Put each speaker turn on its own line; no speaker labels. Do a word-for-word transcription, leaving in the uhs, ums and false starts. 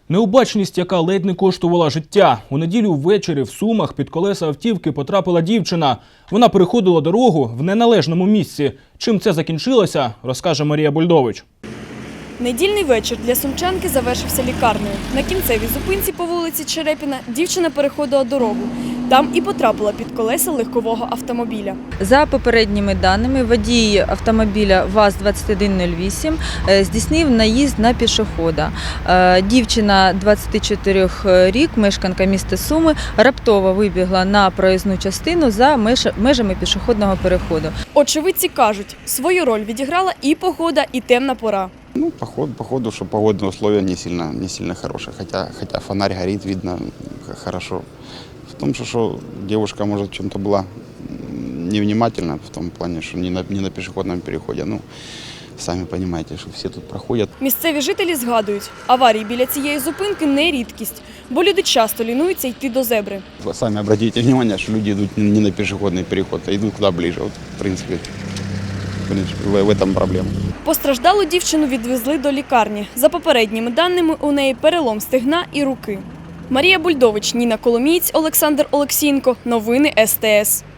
Необачність, яка ледь не коштувала життя. У неділю ввечері в Сумах під колеса автівки потрапила дівчина. Вона переходила дорогу в неналежному місці. Чим це закінчилося, розкаже Марія Бульдович.
Недільний вечір для сумчанки завершився лікарнею. На кінцевій зупинці по вулиці Черепіна дівчина переходила дорогу. Там і потрапила під колеса легкового автомобіля.
За попередніми даними, водій автомобіля ВАЗ двадцять один нуль вісім здійснив наїзд на пішохода. Дівчина двадцяти чотирьох років, мешканка міста Суми, раптово вибігла на проїзну частину за межами пішохідного переходу.
Очевидці кажуть, свою роль відіграла і погода, і темна пора.
Ну, походу, походу, что погодные условия не сильно, не сильно хорошие, хотя, хотя фонарь горит, видно хорошо. В том, что, что девушка, может, в чем-то была невнимательна, в том плане, что не на, не на пешеходном переходе. Ну, самі розумієте, що всі тут проходять.
Місцеві жителі згадують, аварії біля цієї зупинки не рідкість, бо люди часто лінуються йти до зебри.
Ви самі зверніть увагу, що люди йдуть не на пішохідний переход, а йдуть куди ближче. От, в принципі, в цьому проблема.
Постраждалу дівчину відвезли до лікарні. За попередніми даними, у неї перелом стегна і руки. Марія Бульдович, Ніна Коломієць, Олександр Олексієнко. Новини ес те ес.